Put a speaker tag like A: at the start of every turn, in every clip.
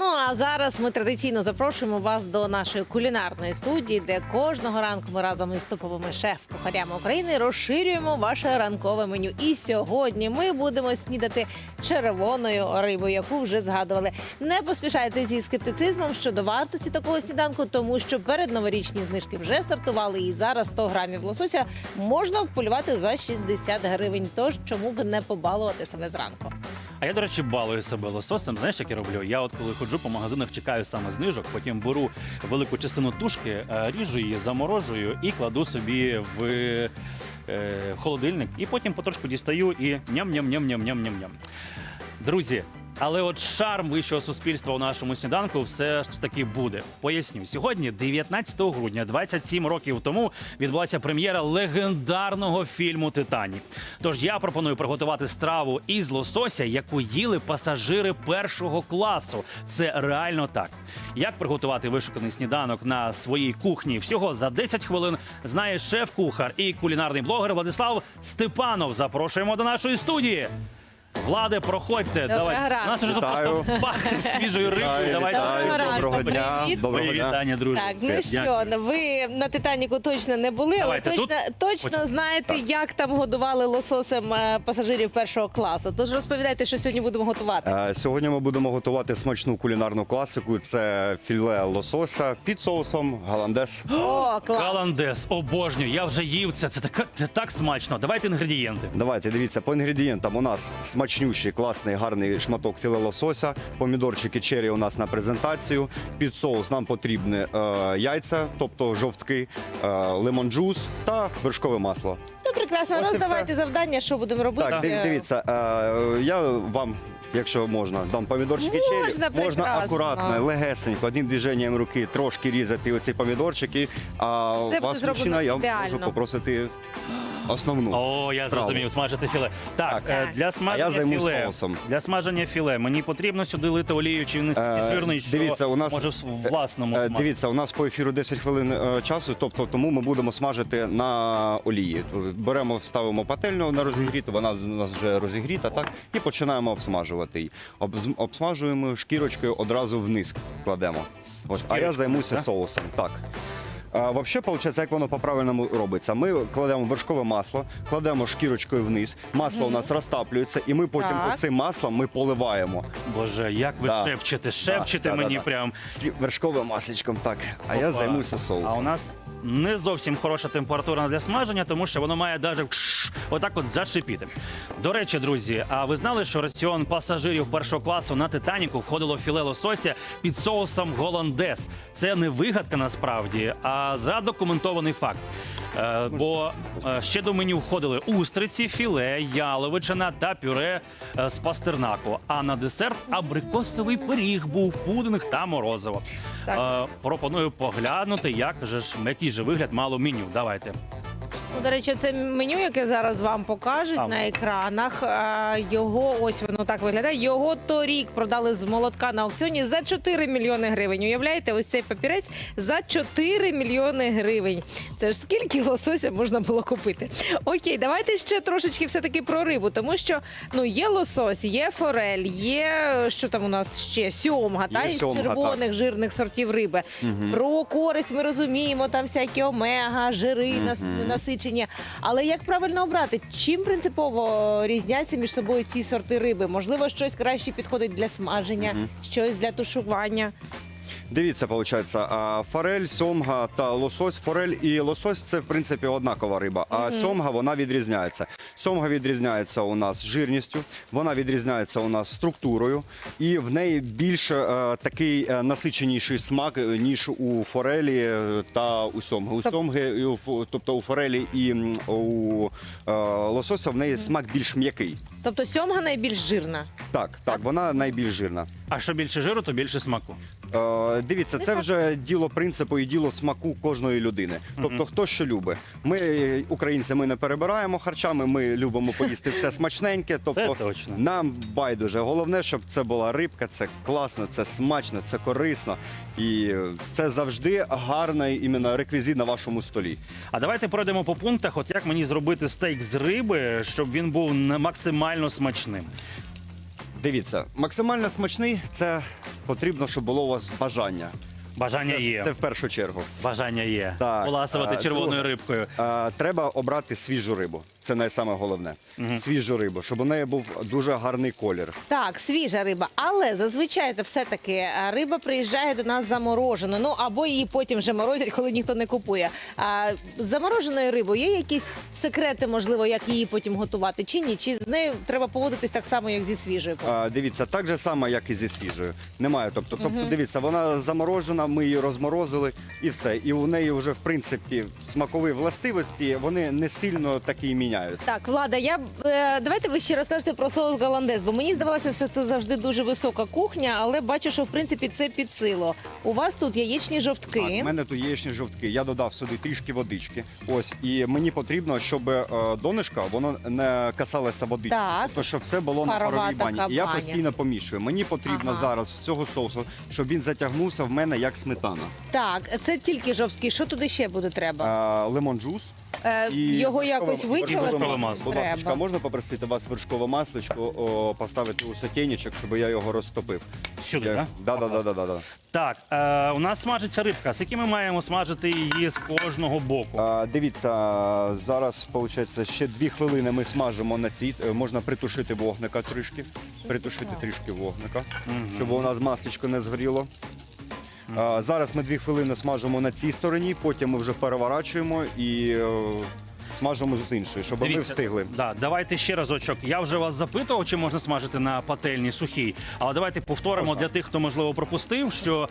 A: Ну а зараз ми традиційно запрошуємо вас до нашої кулінарної студії, де кожного ранку ми разом із топовими шеф-кухарями України розширюємо ваше ранкове меню. І сьогодні ми будемо снідати червоною рибою, яку вже згадували. Не поспішайте зі скептицизмом щодо вартості такого сніданку, тому що передноворічні знижки вже стартували, і зараз 100 грамів лосося можна вполювати за 60 гривень. Тож чому б не побалувати себе зранку?
B: А я, до речі, балую себе лососем. Знаєш, як я роблю? Я от коли ходжу по магазинах, чекаю саме знижок, потім беру велику частину тушки, ріжу її, заморожую і кладу собі в холодильник. І потім потрошку дістаю і ням-ням-ням-ням-ням-ням-ням. Друзі, але от шарм вищого суспільства у нашому сніданку все ж таки буде. Поясню. Сьогодні, 19 грудня, 27 років тому, відбулася прем'єра легендарного фільму «Титанік». Тож я пропоную приготувати страву із лосося, яку їли пасажири першого класу. Це реально так. Як приготувати вишуканий сніданок на своїй кухні всього за 10 хвилин знає шеф-кухар і кулінарний блогер Владислав Степанов. Запрошуємо до нашої студії. Владе, проходьте. Давай.
A: ранку.
B: Нас вже просто пахне свіжою рибою.
C: Доброго дня.
A: Привіт.
C: Доброго
B: Мої
C: дня.
B: вітання, друзі.
A: Так, ну що, ви на «Титаніку» точно не були, але
B: Давайте
A: точно
B: Потім.
A: знаєте, як там годували лососем пасажирів першого класу. Тож розповідайте, що сьогодні будемо готувати.
C: Сьогодні ми будемо готувати смачну кулінарну класику. Це філе лосося під соусом голландез.
A: О, клас!
B: Голландез, обожнюю. Я вже їв це. Це так смачно. Давайте інгредієнти.
C: Давайте, дивіться, по інгредієнтам у нас смачнющий, класний, гарний шматок філе лосося, помідорчики черрі у нас на презентацію. Під соус нам потрібні яйця, тобто жовтки, лимон-джус та вершкове масло.
A: Ну, прекрасно.
C: Ось і
A: Роздавайте завдання, що будемо робити.
C: Так, дивіться, я вам, якщо можна, дам помідорчики черрі.
A: Можна,
C: Можна
A: прекрасно.
C: акуратно, легесенько, одним движенням руки трошки різати оці помідорчики. А
A: Це буде
C: вас,
A: зроблено
C: мужчина, я
A: ідеально.
C: можу попросити основну.
B: О, я
C: страву.
B: зрозумів, смажити філе. Так,
A: Так.
B: для
C: А я
B: смаження
C: займусь
B: філе.
C: соусом.
B: Для смаження філе мені потрібно сюди лити олію, чи він настільки жирний, що
C: дивіться, у нас-
B: може в власному смаку.
C: Дивіться, у нас по ефіру 10 хвилин часу, тобто тому ми будемо смажити на олії. Беремо, ставимо пательню на розігріту, вона у нас вже розігріта, так? І починаємо обсмажувати її. Обсмажуємо шкірочкою, одразу вниз кладемо. Ось, а я
B: Шкірочкою,
C: займуся
B: так?
C: соусом. Так. Взагалі, виходить, як воно по-правильному робиться. Ми кладемо вершкове масло, кладемо шкірочкою вниз, масло у нас розтаплюється, і ми потім
A: Так.
C: оцим маслом ми поливаємо.
B: Боже, як ви
C: Да.
B: шепчете
C: Да,
B: мені
C: да.
B: прям.
C: Вершковим масличком, так. А я
B: Опа.
C: займуся соусом.
B: А у нас не зовсім хороша температура для смаження, тому що воно має навіть отак от зашипіти. До речі, друзі, а ви знали, що раціон пасажирів першого класу на «Титаніку» входило філе лосося під соусом голландез? Це не вигадка насправді, а задокументований факт. Бо ще до меню входили устриці, філе, яловичина та пюре з пастернаку. А на десерт абрикосовий пиріг був, пудинг та морозиво.
A: Так.
B: Пропоную поглянути, який же вигляд мало меню. Давайте.
A: Ну, до речі, це меню, яке зараз вам покажуть
B: Там.
A: на екранах. Його, ось воно так виглядає. Його торік продали з молотка на аукціоні за 4 мільйони гривень. Уявляєте, ось цей папірець за 4 мільйони гривень. Це ж скільки лосося можна було купити. Окей, давайте ще трошечки все-таки про рибу, тому що є лосось, є форель, є, що там у нас ще, сьомга,
C: Є
A: із
C: сьомга,
A: червоних жирних сортів риби. Про користь ми розуміємо, там всякі омега, жири, насичення. Але як правильно обрати? Чим принципово різняться між собою ці сорти риби? Можливо, щось краще підходить для смаження, щось для тушування?
C: Дивіться, виходить, форель, сьомга та лосось. Форель і лосось – це, в принципі, однакова риба, а сьомга, вона відрізняється. Сьомга відрізняється у нас жирністю, вона відрізняється у нас структурою, і в неї більш такий насиченіший смак, ніж у форелі та у сьомги. У сьомги, тобто у форелі і у лосося, в неї смак більш м'який.
A: Тобто сьомга найбільш жирна?
C: Так, вона найбільш жирна.
B: А що більше жиру, то більше смаку.
C: Дивіться, це вже діло принципу і діло смаку кожної людини. Тобто, хто що любить. Ми, українці, ми не перебираємо харчами, ми любимо поїсти все смачненьке. Тобто,
B: Це точно.
C: нам байдуже. Головне, щоб це була рибка, це класно, це смачно, це корисно. І це завжди гарний іменно реквізит на вашому столі.
B: А давайте пройдемо по пунктах, от як мені зробити стейк з риби, щоб він був максимально смачним.
C: Дивіться, максимально смачний – це потрібно, щоб було у вас бажання.
B: Бажання є.
C: Це в першу чергу.
B: Бажання є.
C: Так,
B: Поласувати червоною
C: друге.
B: рибкою.
C: Треба обрати свіжу рибу. Це найсаме головне. Свіжу рибу, щоб у неї був дуже гарний колір.
A: Так, свіжа риба, але зазвичай це все-таки риба приїжджає до нас заморожена, ну або її потім вже морозять, коли ніхто не купує. А з замороженою рибою є якісь секрети, можливо, як її потім готувати, чи ні? Чи з нею треба поводитись так само, як зі свіжою?
C: Дивіться, так же само, як і зі свіжою. Немає. Тобто, дивіться, вона заморожена, ми її розморозили і все. І у неї вже, в принципі, смакові властивості, вони не сильно такі і міняються.
A: Так, Влада, давайте ви ще розкажете про соус голландез, бо мені здавалося, що це завжди дуже висока кухня, але бачу, що в принципі це під силу. У вас тут яєчні жовтки.
C: Так, в мене тут яєчні жовтки. Я додав сюди трішки водички. Ось, і мені потрібно, щоб донышко, воно не касалося водички.
A: Так.
C: Тобто, щоб все було на
A: Парова
C: паровій бані.
A: така
C: І я
A: баня.
C: постійно помішую. Мені потрібно зараз з цього соусу, щоб він затягнувся в мене як сметана.
A: Так, це тільки жовтки. Що туди ще буде треба?
C: Лемон джус.
A: Його якось
B: вершкове
A: вичавити
B: масло.
C: Будь ласка,
A: треба.
C: можна попросити вас вершкове масличко поставити у сотейничок, щоб я його розтопив?
B: Сюди, так?
C: Да.
B: Так, у нас смажиться рибка. Скільки ми маємо смажити її з кожного боку?
C: Дивіться, зараз, виходить, ще 2 хвилини ми смажимо на цій. Можна притушити вогника трішки. Притушити трішки вогника, щоб у нас масличко не згоріло. Зараз ми 2 хвилини смажимо на цій стороні, потім ми вже переворачуємо і смажимо з іншої, щоб ми встигли.
B: Да, давайте ще разочок. Я вже вас запитував, чи можна смажити на пательні сухій. Але давайте повторимо
C: Можна.
B: для тих, хто, можливо, пропустив, що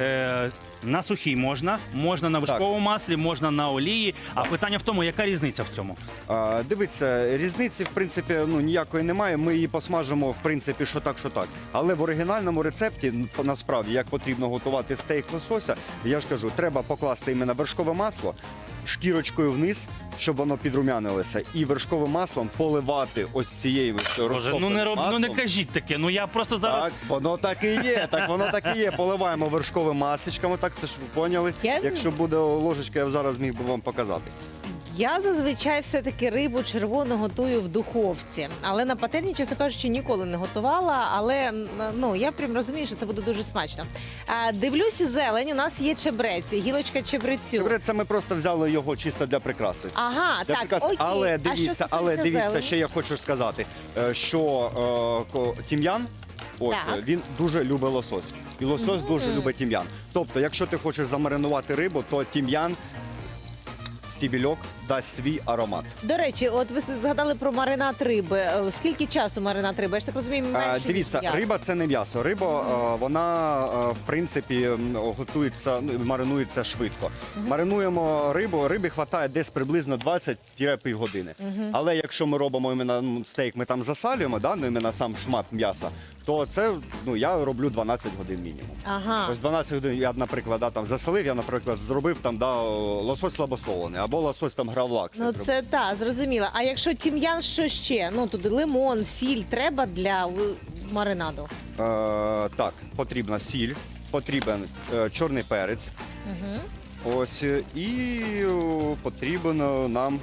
B: на сухій можна, можна на вершковому маслі, можна на олії. А питання в тому, яка різниця в цьому?
C: Дивіться, різниці, в принципі, ніякої немає. Ми її посмажимо, в принципі, що так, що так. Але в оригінальному рецепті, насправді, як потрібно готувати стейк лосося, я ж кажу, треба покласти іменно вершкове масло, шкірочкою вниз, щоб воно підрумянилося, і вершковим маслом поливати ось цією
B: Боже,
C: розтопленим
B: ну
C: маслом.
B: не кажіть таке. Ну я просто зараз.
C: Так, воно так і є. Так, воно так і є. Поливаємо вершковим масличком. Так, це ж ви поняли. Якщо буде ложечка, я зараз міг би вам показати.
A: Я зазвичай все-таки рибу червону готую в духовці, але на пательні, чесно кажучи, ніколи не готувала. Але я прям розумію, що це буде дуже смачно. Дивлюся, зелень, у нас є чебрець, гілочка чебрецю.
C: Чебрець, це ми просто взяли його чисто для прикраси.
A: Ага,
C: Для
A: так,
C: прикраси.
A: окей.
C: Але
A: А що
C: дивіться,
A: стосується зелені?
C: ще я хочу сказати, що тім'ян. Ось
A: Так.
C: він дуже любить лосось. І лосось дуже любить тім'ян. Тобто, якщо ти хочеш замаринувати рибу, то тім'ян, стібільок дасть свій аромат.
A: До речі, от ви згадали про маринад риби. Скільки часу маринад риби? Я ж так розумію, менше ніж
C: Дивіться,
A: м'ясо.
C: риба це не м'ясо. Риба вона в принципі готується, маринується швидко. Маринуємо рибу, рибі вистачає десь приблизно 20-5 години. Але якщо ми робимо іменно стейк, ми там засалюємо, іменно сам шмат м'яса, то це я роблю 12 годин мінімум.
A: Ага.
C: Ось 12 годин я, наприклад, там засолив, я, наприклад, зробив лосось слабосолений, або лосось там гравлакс.
A: Ну це так, зрозуміло. А якщо тім'ян, що ще? Ну туди лимон, сіль треба для маринаду.
C: Так, потрібна сіль, потрібен чорний перець. Ось і потрібен нам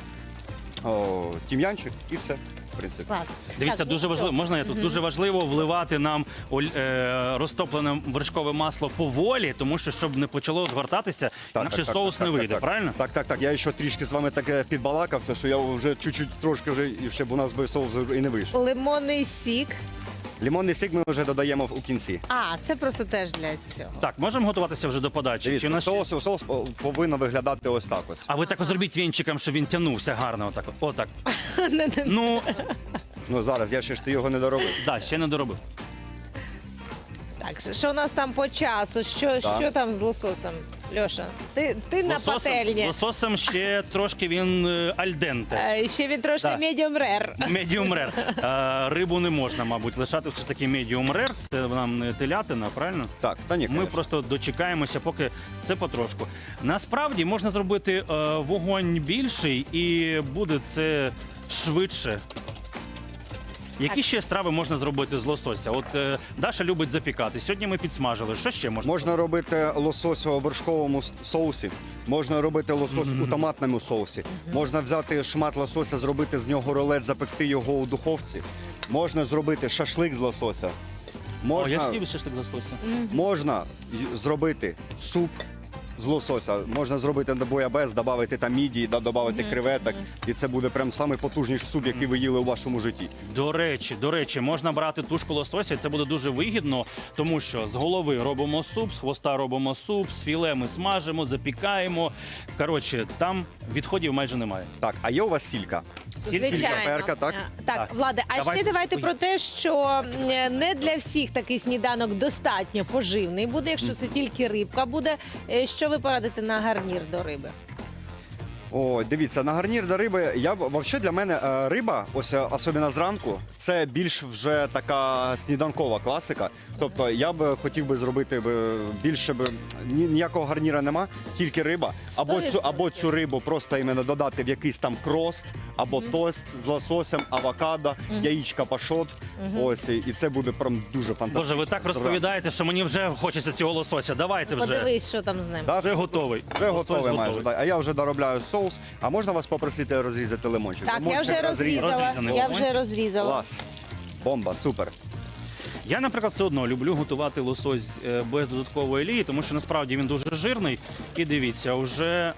C: тім'янчик і все. В принципі.
A: Клас.
B: Дивіться,
A: Так,
B: дуже важливо. Можна я тут дуже важливо вливати нам розтоплене вершкове масло поволі, тому що щоб не почало згортатися, інакше соус не вийде. Правильно?
C: Так. Я ще трішки з вами так підбалакався, що я вже чуть-чуть трошки вже і ще б у нас би соус і не вийшов.
A: Лимонний сік.
C: Лимонний сік ми вже додаємо у кінці.
A: А, це просто теж для цього.
B: Так, можемо готуватися вже до подачі. Чи
C: Дивіться,
B: у нас ще-
C: соус повинен виглядати ось так ось.
B: А ви так зробіть вінчиком, щоб він тягнувся гарно. Отак. Отак. Ну,
C: Зараз я ще ж його не доробив.
B: да, ще не доробив.
A: Так, що у нас там по часу? Що там з лососем? Льоша, ти на
B: З
A: пательні.
B: лососом ще трошки він альденте.
A: Ще він трошки
B: Так.
A: медіум рер.
B: Медіум рер. Рибу не можна, мабуть, лишати все ж таки медіум рер. Це нам не телятина, правильно?
C: Так, та ні,
B: Ми
C: конечно.
B: просто дочекаємося, поки це потрошку. Насправді можна зробити вогонь більший і буде це швидше. Які ще страви можна зробити з лосося? От Даша любить запікати. Сьогодні ми підсмажили. Що ще можна?
C: Можна робити лосось у вершковому соусі, можна робити лосось у томатному соусі, можна взяти шмат лосося, зробити з нього рулет, запекти його у духовці, можна зробити шашлик з лосося,
B: О, я
C: Можна,
B: слів ще ж так з лосося.
C: можна зробити суп з лосося, можна зробити на боябес, додати там мідії, додати креветок, і це буде прям самий потужніший суп, який ви їли у вашому житті.
B: До речі, можна брати тушку лосося, і це буде дуже вигідно, тому що з голови робимо суп, з хвоста робимо суп, з філе ми смажимо, запікаємо. Коротше, там відходів майже немає.
C: Так, а є у вас сілька?
A: Звичайно.
C: перка, так?
A: Так,
B: Так.
A: Владе, а
B: Давайте
A: ще давайте
B: поїдемо.
A: про те, що не для всіх такий сніданок достатньо поживний буде, якщо це тільки рибка буде. Що ви порадите на гарнір до риби?
C: О, дивіться, на гарнір до риби. Взагалі для мене риба, ось особливо зранку, це більш вже така сніданкова класика. Тобто я б хотів би зробити більше ніякого гарніра нема, тільки риба. Або цю рибу просто іменно додати в якийсь там крост, або тост з лососем, авокадо, яєчка пашот. Ось і це буде прям дуже фантастично.
B: Боже, ви так розповідаєте, що мені вже хочеться цього лосося. Давайте вже.
A: Подивись, що там з ним.
C: Да,
B: Вже готовий.
C: Вже
B: Лосось
C: готовий майже.
B: готовий.
C: Да. А я вже доробляю соус. А можна вас попросити розрізати лимончик?
A: Так, я
C: Лимончик
A: вже розрізала.
B: Розрізаний
A: Я
B: лимон.
A: вже розрізала.
C: Клас. Бомба, супер.
B: Я, наприклад, все одно люблю готувати лосось без додаткової олії, тому що насправді він дуже жирний. І дивіться, уже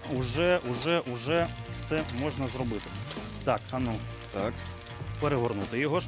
B: все можна зробити. Так, а ну,
C: Так.
B: перегорнути його ж.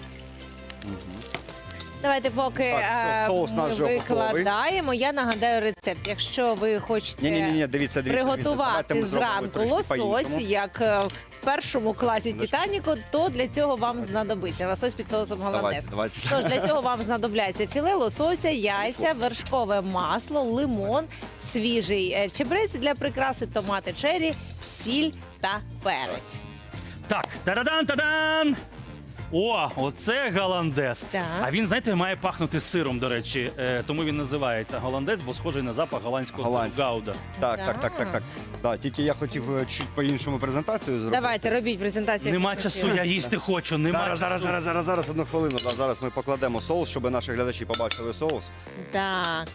A: Давайте поки
C: Так, все, соус
A: ми
C: наш вже готовий.
A: викладаємо. Я нагадаю рецепт. Якщо ви хочете
C: Ні, дивіться. Давайте
A: приготувати
C: ми зробимо
A: зранку
C: трошки
A: лосось,
C: по-іншому.
A: як в першому класі Титаніку, то для цього вам знадобиться лосось під соусом голландез.
C: Давайте.
A: Тож для цього вам знадобляться філе лосося, яйця, вершкове масло, лимон, свіжий чебрець для прикраси, томати черрі, сіль та перець.
B: Так, тарадан-тадан! О, оце голландез.
A: Так.
B: А він, знаєте, має пахнути сиром, до речі. Тому він називається голландез, бо схожий на запах голландського сиру
C: Голландський.
B: гауда.
C: Так. Да, тільки я хотів чуть по-іншому презентацію зробити.
A: Давайте, робіть презентацію.
B: Нема
A: як ви
B: часу,
A: хотіли.
B: я їсти хочу. Нема
C: Зараз, одну хвилину. Да, зараз ми покладемо соус, щоб наші глядачі побачили соус.
A: Так.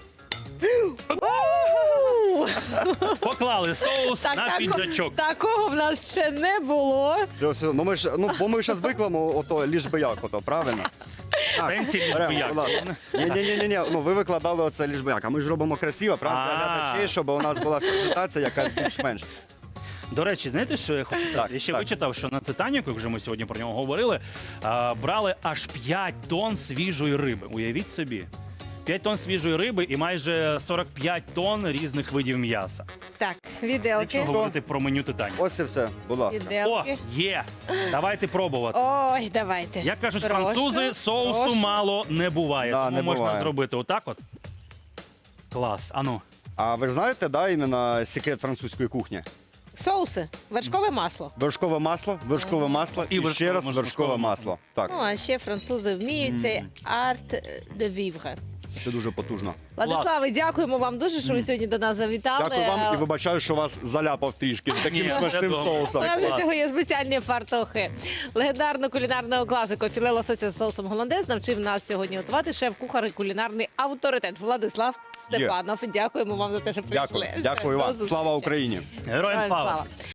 B: Поклали соус на піджачок.
A: Такого в нас ще не було.
C: Все. Бо ми ж звикли, ото ліж би як, ото, правильно? Так,
B: Сенсі ліж би
C: беремо,
B: як.
C: будь ласка. Ні, ну ви викладали оце ліж би як, а ми ж робимо красиво, правда, для глядачей, щоб у нас була презентація якась більш-менш.
B: До речі, знаєте, що я хочу сказати?
C: Так,
B: Я ще
C: так.
B: вичитав, що на Титаніку, як вже ми сьогодні про нього говорили, брали аж 5 тонн свіжої риби. Уявіть собі. 5 тонн свіжої риби і майже 45 тонн різних видів м'яса.
A: Так,
B: Якщо
A: віделки.
B: говорити про меню Титаніку.
C: Ось і все, будь ласка.
B: О,
A: Віделки.
B: є! Давайте пробувати.
A: Ой, давайте.
B: Як кажуть
A: Прошу,
B: французи, соусу
A: прошу.
B: мало не буває.
C: Да,
B: Тому
C: не
B: можна
C: буває.
B: зробити отак от. Клас. Ану.
C: А ви ж знаєте, да, іменно секрет французької кухні?
A: Соуси, вершкове масло.
C: Вершкове масло
B: І
C: і ще раз
B: вершкове
C: вершкове
B: масло.
C: масло. Так,
A: Ну, а ще французи вміють цей арт де вівре.
C: це дуже потужно.
A: Владиславе, дякуємо вам дуже, що ви сьогодні до нас завітали.
C: Дякую вам і вибачаю, що вас заляпав трішки таким
B: Ні,
C: смачним
B: я думав.
C: соусом.
A: У нас
B: Клас.
A: для цього є спеціальні фартохи. Легендарну кулінарного класику філе лосося з соусом голландез навчив нас сьогодні готувати шеф-кухар і кулінарний авторитет Владислав Степанов. Дякуємо вам за те, що прийшли.
C: Дякую
A: Все,
C: вам.
A: до
C: Слава
A: зустрічі.
C: Україні!
B: Героям слава!